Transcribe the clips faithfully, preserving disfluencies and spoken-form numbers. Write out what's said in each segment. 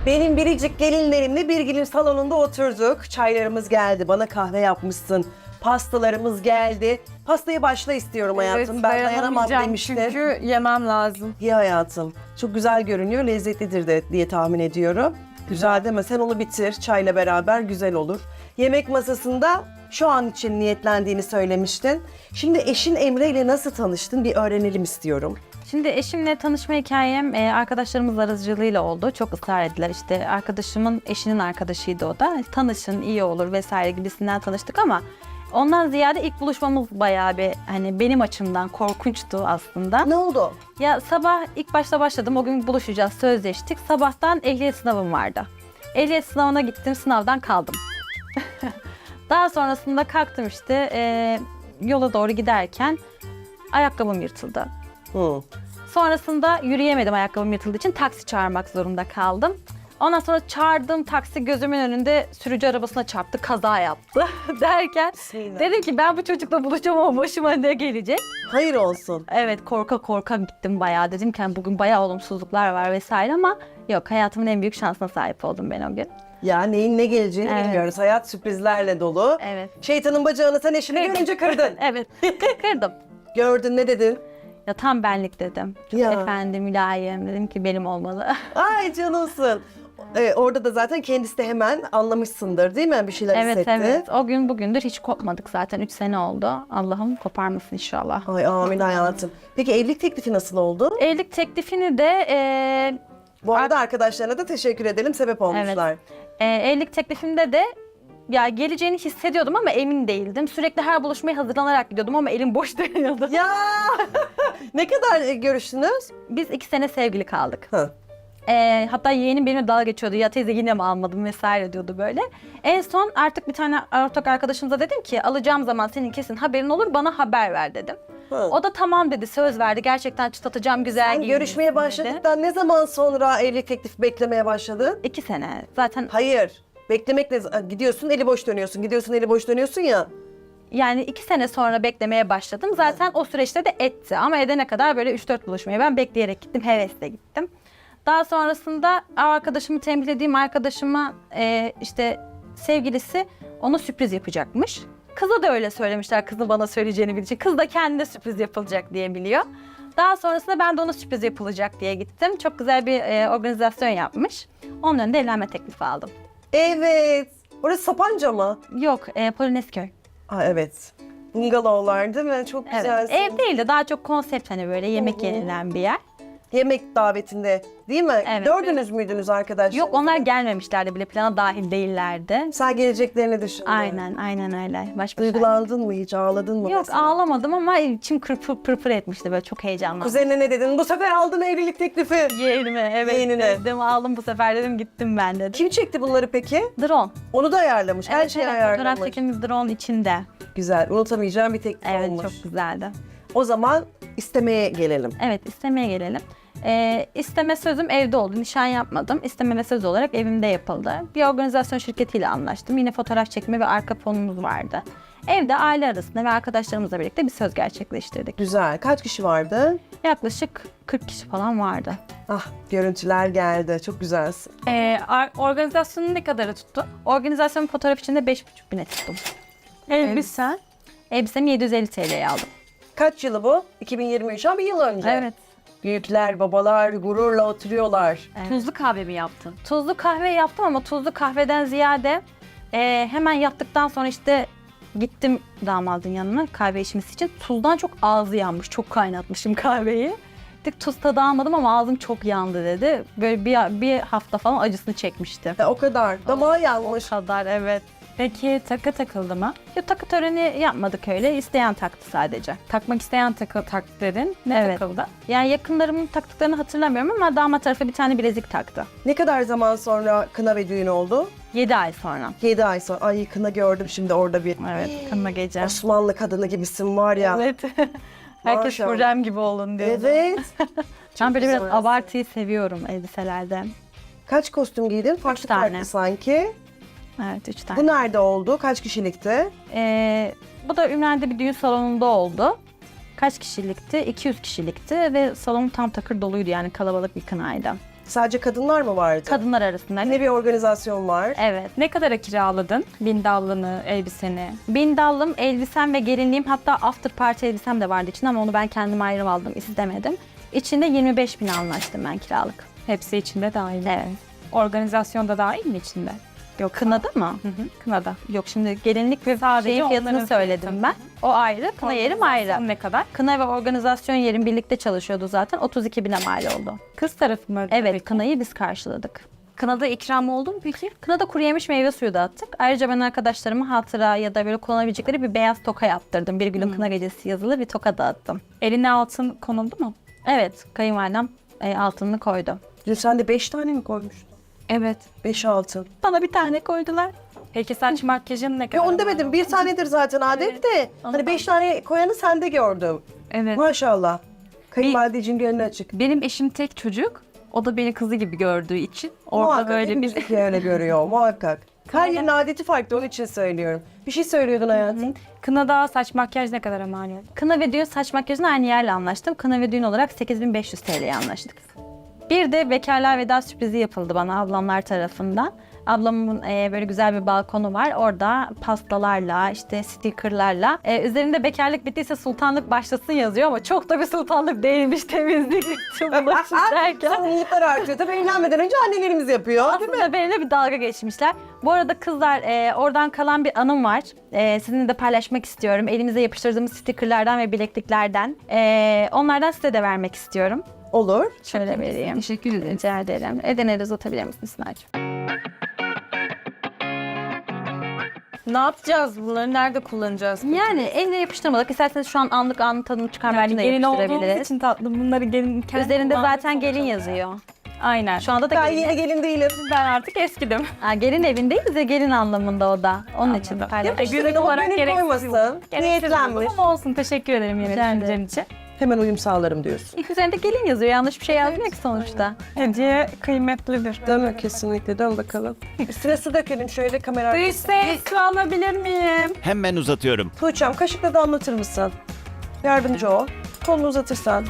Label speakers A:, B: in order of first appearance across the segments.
A: Benim biricik gelinlerimle bir gelin salonunda oturduk. Çaylarımız geldi. Bana kahve yapmışsın. Pastalarımız geldi. Pastayı başla istiyorum hayatım. Ben dayanamam
B: dayanamayacağım
A: demiştim.
B: çünkü yemem lazım.
A: İyi hayatım. Çok güzel görünüyor. Lezzetlidir de diye tahmin ediyorum. Güzel deme. Sen onu bitir. Çayla beraber güzel olur. Yemek masasında şu an için niyetlendiğini söylemiştin. Şimdi eşin Emre ile nasıl tanıştın bir öğrenelim istiyorum.
C: Şimdi eşimle tanışma hikayem e, arkadaşlarımız aracılığıyla oldu. Çok ısrar ettiler. İşte arkadaşımın eşinin arkadaşıydı o da. Tanışın iyi olur vesaire gibisinden tanıştık ama ondan ziyade ilk buluşmamız bayağı bir hani benim açımdan korkunçtu aslında.
A: Ne oldu?
C: Ya sabah ilk başta başladım. O gün buluşacağız, sözleştik. Sabahtan ehliyet sınavım vardı. Ehliyet sınavına gittim, sınavdan kaldım. Daha sonrasında kalktım işte e, yola doğru giderken ayakkabım yırtıldı.
A: Hı.
C: Sonrasında yürüyemedim ayakkabım yırtıldığı için taksi çağırmak zorunda kaldım. Ondan sonra çağırdığım taksi gözümün önünde sürücü arabasına çarptı, kaza yaptı derken
A: Bismillah.
C: dedim ki ben bu çocukla buluşacağım ama başıma ne gelecek?
A: Hayır olsun.
C: Evet korka korka gittim bayağı dedim ki hani bugün bayağı olumsuzluklar var vesaire ama yok hayatımın en büyük şansına sahip oldum ben o gün.
A: Ya neyin ne geleceğini
C: Evet.
A: bilmiyoruz. Hayat sürprizlerle dolu.
C: Evet.
A: Şeytanın bacağını sen eşini görünce kırdın.
C: Evet kırdım.
A: Gördün ne dedin?
C: Ya tam benlik dedim. Çok
A: Ya.
C: efendi, mülayim dedim ki benim olmalı.
A: Ay canımsın. Ee, orada da zaten kendisi de hemen anlamışsındır değil mi? Bir şeyler
C: Evet
A: hissetti.
C: evet o gün bugündür hiç kopmadık zaten üç sene oldu. Allah'ım koparmasın inşallah.
A: Ay amin hayatım. Peki evlilik teklifi nasıl oldu?
C: Evlilik teklifini de e,
A: Bu arada arkadaşlarına da teşekkür edelim. Sebep olmuşlar.
C: e, evlilik teklifimde de ya geleceğini hissediyordum ama emin değildim. Sürekli her buluşmaya hazırlanarak gidiyordum ama elim boş dönüyordu.
A: Ya ne kadar e, görüştünüz?
C: Biz iki sene sevgili kaldık.
A: Hı.
C: E, hatta yeğenim benimle dalga geçiyordu. Ya teyze yine mi almadın vesaire diyordu böyle. En son artık bir tane ortak arkadaşımıza dedim ki alacağım zaman senin kesin haberin olur bana haber ver dedim.
A: Hı.
C: O da tamam dedi, söz verdi. Gerçekten çıtlatacağım güzel
A: Sen
C: giyinirsin
A: görüşmeye
C: dedi.
A: başladıktan ne zaman sonra evlilik teklifi beklemeye başladın?
C: İki sene. Zaten
A: Hayır. Beklemekle gidiyorsun eli boş dönüyorsun. Gidiyorsun eli boş dönüyorsun ya.
C: yani iki sene sonra beklemeye başladım. Zaten o süreçte de etti. Ama edene kadar böyle üç dört buluşmaya ben bekleyerek gittim. Hevesle gittim. Daha sonrasında arkadaşımı tembihlediğim arkadaşıma e, işte sevgilisi ona sürpriz yapacakmış. Kıza da öyle söylemişler. Kızın bana söyleyeceğini bilecek. Kız da kendine sürpriz yapılacak diye biliyor. Daha sonrasında ben de ona sürpriz yapılacak diye gittim. Çok güzel bir e, organizasyon yapmış. Onun önünde evlenme teklifi aldım.
A: Evet. Orası Sapanca mı?
C: Yok, e, Polonezköy.
A: Aa, evet. Bungalovlar değil mi? Çok
C: Evet.
A: güzel.
C: Ev değil de daha çok konsept hani böyle yemek
A: Hı hı.
C: yenilen bir yer.
A: Yemek davetinde değil mi?
C: Evet.
A: Dördünüz müydünüz arkadaşlar?
C: Yok onlar gelmemişlerdi bile plana dahil değillerdi.
A: Sen geleceklerini düşündün.
C: Aynen aynen öyle. Baş başa.
A: Duygulandın mı hiç? Ağladın mı?
C: Yok
A: mesela?
C: ağlamadım ama içim kırpır pırpır etmişti böyle çok heyecanlandım.
A: Kuzenine ne dedin? Bu sefer aldın evlilik teklifi.
C: Yeğenime evet
A: Yeğenine.
C: dedim aldım bu sefer dedim gittim ben dedim.
A: Kim çekti bunları peki?
C: Drone.
A: Onu da ayarlamış. Her
C: Evet,
A: şeyi
C: evet,
A: ayarlamış.
C: Fotoğraf çekimimiz drone içinde.
A: Güzel. Unutamayacağım bir teklif
C: Evet
A: olmuş.
C: çok güzeldi.
A: O zaman istemeye gelelim.
C: Evet istemeye gelelim. Ee, isteme sözüm evde oldu. Nişan yapmadım. İsteme ve söz olarak evimde yapıldı. Bir organizasyon şirketiyle anlaştım. Yine fotoğraf çekme ve arka fonumuz vardı. Evde aile arasında ve arkadaşlarımızla birlikte bir söz gerçekleştirdik.
A: Güzel. Kaç kişi vardı?
C: Yaklaşık kırk kişi falan vardı.
A: Ah görüntüler geldi. Çok güzelsin.
B: Ee, ar- organizasyonu ne kadarı tuttu?
C: Organizasyon fotoğraf için de beş buçuk bine tuttum.
B: Elbisen.
C: Elbisemi yedi yüz elli T L'ye aldım.
A: Kaç yılı bu? iki bin yirmi üç ama bir yıl önce.
C: Evet.
A: Büyükler, babalar gururla oturuyorlar.
C: Evet.
B: Tuzlu kahve mi yaptın?
C: Tuzlu kahve yaptım ama tuzlu kahveden ziyade e, hemen yaptıktan sonra işte gittim damadın yanına kahve içmesi için. Tuzdan çok ağzı yanmış. Çok kaynatmışım kahveyi. Dik tuz tadı almadım ama ağzım çok yandı dedi. Böyle bir, bir hafta falan acısını çekmişti.
A: E, o kadar. Damağı
C: O
A: yanmış.
C: kadar evet.
B: Peki takı takıldı mı?
C: Ya, takı töreni yapmadık öyle. İsteyen taktı sadece.
B: Takmak isteyen takı taktıların ne
C: Evet.
B: takıldı?
C: Yani yakınlarımın taktıklarını hatırlamıyorum ama damat tarafı bir tane bilezik taktı.
A: Ne kadar zaman sonra kına ve düğün oldu?
C: yedi ay sonra.
A: yedi ay sonra. Ay kına gördüm şimdi orada bir.
C: Evet, kınma gece.
A: Osmanlı kadını gibisin var ya.
C: Evet. Herkes
A: Maşallah.
C: Hürrem gibi olun diyor.
A: Evet.
C: Ben böyle biraz
A: güzel.
C: abartıyı seviyorum elbiselerde.
A: Kaç kostüm giydin? Farklı
C: tane.
A: farklı sanki.
C: Evet, üç tane.
A: Bu nerede oldu? Kaç kişilikti?
C: Ee, bu da Ümraniye'de bir düğün salonunda oldu. Kaç kişilikti? iki yüz kişilikti ve salon tam takır doluydu yani kalabalık bir kınaydı.
A: Sadece kadınlar mı vardı?
C: Kadınlar arasında.
A: Ne bir organizasyon var?
C: Evet.
B: Ne kadara kiraladın bindallını, elbiseni?
C: Bindallım, elbisem ve gelinliğim, hatta after party elbisem de vardı içinde ama onu ben kendim ayrı aldım, istemedim. İçinde yirmi beş bin anlaştım ben kiralık.
B: Hepsi içinde dahil.
C: Evet.
B: Organizasyon da dahil mi içinde?
C: Yok, kınada mı?
B: Hı hı, kınada.
C: Yok, şimdi gelinlik ve
B: Sadece
C: şeyin fiyatını
B: onların
C: söyledim
B: fiyatı.
C: ben. O ayrı, kına yerim ayrı.
B: Organizasyon ne kadar?
C: Kına ve organizasyon yerim birlikte çalışıyordu zaten. otuz iki bine mal oldu.
B: Kız tarafı mı?
C: Evet,
B: peki?
C: kınayı biz karşıladık.
B: Kınada ikram oldu mu peki?
C: Kınada kuru yemiş meyve suyu dağıttık. Ayrıca ben arkadaşlarıma hatıra ya da böyle kullanabilecekleri bir beyaz toka yaptırdım. Bir günün kına gecesi yazılı bir toka dağıttım.
B: Eline altın konuldu mu?
C: Evet, kayınvalidem e, altınını koydu.
A: Dün sen de beş tane mi koymuştun?
B: Evet.
A: Beş altın.
C: Bana bir tane koydular.
B: Peki saç makyajın ne kadar?
A: Ya onu demedim. Bir tanedir zaten adet de. Hani beş tane koyanı sende gördüm.
B: Evet.
A: Maşallah. Kayınvalideciğin gönlü açık.
B: Benim eşim tek çocuk. O da beni kızı gibi gördüğü için orada
A: Muhakkak
B: böyle bir
A: hepimizdeki öyle görüyor muhakkak. Her yerin adeti farklı, onun için söylüyorum. Bir şey söylüyordun hayatım.
B: kınada saç makyaj ne kadar mal oldu?
C: Kına ve düğün saç makyajını aynı yerle anlaştım. Kına ve düğün olarak sekiz bin beş yüz T L'ye anlaştık. Bir de bekarlığa veda sürprizi yapıldı bana ablamlar tarafından. Ablamın e, böyle güzel bir balkonu var. Orada pastalarla, işte stickerlarla. E, üzerinde bekarlık bittiyse sultanlık başlasın yazıyor ama çok da bir sultanlık değilmiş, temizlik, bulaşık derken.
A: Sorumluluklar artıyor. Tabii evlenmeden önce annelerimiz yapıyor. Değil mi?
C: Aslında benimle bir dalga geçmişler. Bu arada kızlar, e, oradan kalan bir anım var. E, sizinle de paylaşmak istiyorum. Elimize yapıştırdığımız stickerlardan ve bilekliklerden. E, onlardan size de vermek istiyorum.
A: Olur.
C: Şöyle vereyim.
B: Teşekkür ederim.
C: Rica ederim. Eden'e de uzatabilir misin Sınar'cığım?
B: Ne yapacağız? Bunları nerede kullanacağız?
C: Yani eline yapıştırmadık. İsterseniz şu an anlık anın tadını çıkarmak
B: Yani
C: için de
B: gelin olduğumuz
C: yapıştırabiliriz.
B: için tatlı. Bunları gelin kendi
C: Üzerinde
B: kullanmak
C: zaten gelin
B: zorunda.
C: yazıyor.
B: Aynen.
C: Şu anda da
A: Ben
C: gelin.
A: yeni gelin değilim.
B: Ben artık eskidim.
C: Ha, gelin evindeyiz ya, gelin anlamında o da. Onun için
B: Anladım.
C: paylaşmak.
B: Ya da günlük
A: o
B: olarak
A: gönül
B: gereksiz.
A: koymasın.
B: Gereksiz
A: Niyetlenmiş.
B: ama olsun. Teşekkür ederim yine
C: Rica ederim.
B: düşüncen için.
A: Hemen uyum sağlarım diyorsun.
C: İlk üzerinde gelin yazıyor. Yanlış bir şey yazmıyor ki sonuçta.
B: Hediye kıymetlidir.
A: Değil mi? Kesinlikle. Dön bakalım. Üstüne su dökelim şöyle kamera.
B: Dış ses su alabilir miyim?
D: Hemen uzatıyorum.
A: Tuğçe'm kaşıkla damlatır mısın? Yardımcı ol. Kolunu uzatırsan.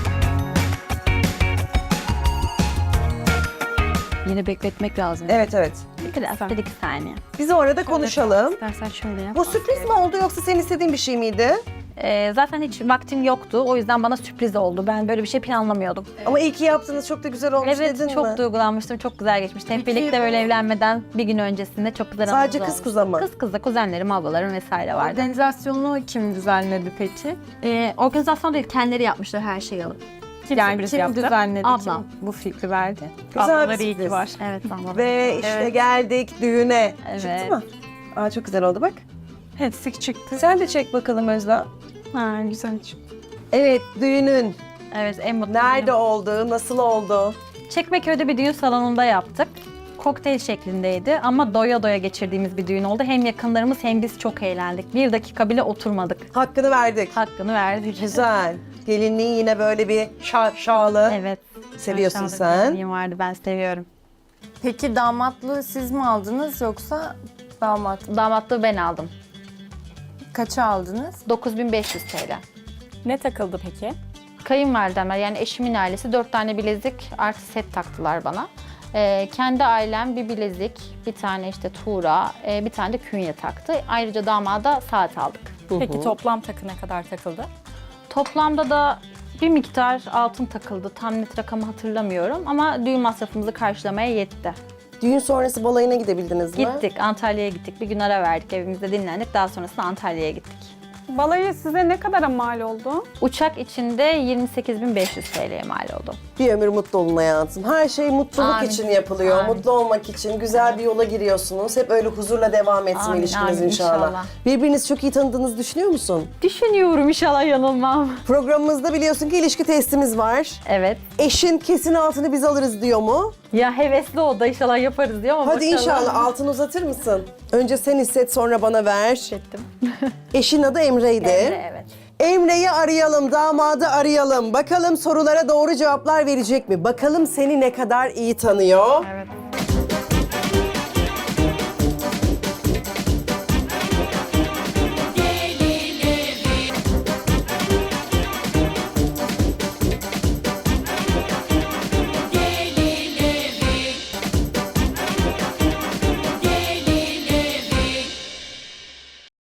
C: Yine bekletmek lazım.
A: Evet evet.
C: Biraz, bir iki saniye.
A: Biz o arada konuşalım.
C: İstersen şöyle yap.
A: Bu sürpriz mi oldu yoksa senin istediğin bir şey miydi?
C: Ee, zaten hiç vaktim yoktu. O yüzden bana sürpriz oldu. Ben böyle bir şey planlamıyordum.
A: Ama iyi ki yaptınız. Çok da güzel olmuş
C: Evet,
A: dedin
C: çok
A: mi?
C: duygulanmıştım. Çok güzel geçmişti. Hep birlikte böyle evlenmeden bir gün öncesinde çok güzel anımız
A: Sadece kız
C: olmuş.
A: kuza mı?
C: Kız kızla kuzenlerim, ablalarım vesaire vardı.
E: Organizasyonu kim düzenledi peki?
C: Ee, organizasyon değil, kendileri yapmışlar her şeyi alıp.
B: Kim
E: Yani
B: sürpriz
E: kim
B: yaptı?
E: düzenledi?
C: Ablam.
E: Kim bu fikri verdi?
A: Güzel bir
B: Ablaları iyi ki
A: sürpriz.
B: var.
C: Evet, ablam.
A: Ve işte geldik düğüne.
C: Evet.
A: Çıktı mı? Aa çok güzel oldu bak.
B: Hepsi çıktı.
A: Sen de çek bakalım Özlem.
B: Ha, güzel çıktı.
A: Evet düğünün.
C: Evet, en mutlu
A: Nerede
C: günüm.
A: oldu? Nasıl oldu?
C: Çekmeköy'de bir düğün salonunda yaptık. Kokteyl şeklindeydi ama doya doya geçirdiğimiz bir düğün oldu. Hem yakınlarımız hem biz çok eğlendik. Bir dakika bile oturmadık.
A: Hakkını verdik.
C: Hakkını verdik.
A: Güzel. Gelinliğin yine böyle bir şaşalı.
C: Evet.
A: Seviyorsun
C: Aşağıda
A: sen.
C: bir gelinliğim vardı, ben seviyorum.
E: Peki damatlığı siz mi aldınız yoksa damat?
C: Damatlığı ben aldım.
E: Kaça aldınız?
C: dokuz bin beş yüz T L.
B: Ne takıldı peki?
C: Kayınvalidemler, yani eşimin ailesi dört tane bilezik artı set taktılar bana. Ee, kendi ailem bir bilezik, bir tane işte tuğra, e, bir tane de künye taktı. Ayrıca damada saat aldık.
B: Peki toplam takı ne kadar takıldı?
C: Toplamda da bir miktar altın takıldı. Tam net rakamı hatırlamıyorum ama düğün masrafımızı karşılamaya yetti.
A: Düğün sonrası balayına gidebildiniz mi?
C: Gittik, Antalya'ya gittik. Bir gün ara verdik, evimizde dinlendik. Daha sonrasında Antalya'ya gittik.
B: Balayı size ne kadara mal oldu?
C: Uçak içinde yirmi sekiz bin beş yüz T L'ye mal oldu.
A: Bir ömür mutlu olun hayatım. Her şey mutluluk
C: Amin.
A: için yapılıyor.
C: Amin.
A: Mutlu olmak için. Güzel bir yola giriyorsunuz. Hep öyle huzurla devam etsin
C: Amin,
A: ilişkiniz
C: amin,
A: inşallah.
C: inşallah.
A: Birbirinizi çok iyi tanıdığınızı düşünüyor musun?
C: Düşünüyorum, inşallah yanılmam.
A: Programımızda biliyorsun ki ilişki testimiz var.
C: Evet.
A: Eşin kesin altını biz alırız diyor mu?
C: Ya hevesli o da, inşallah yaparız diyor ama
A: Hadi
C: bakalım.
A: inşallah altını uzatır mısın? Önce sen hisset sonra bana ver.
C: Ettim.
A: Eşin adı Emre'ydi.
C: Emre, evet.
A: Emre'yi arayalım, damadı arayalım. Bakalım sorulara doğru cevaplar verecek mi? Bakalım seni ne kadar iyi tanıyor.
C: Evet.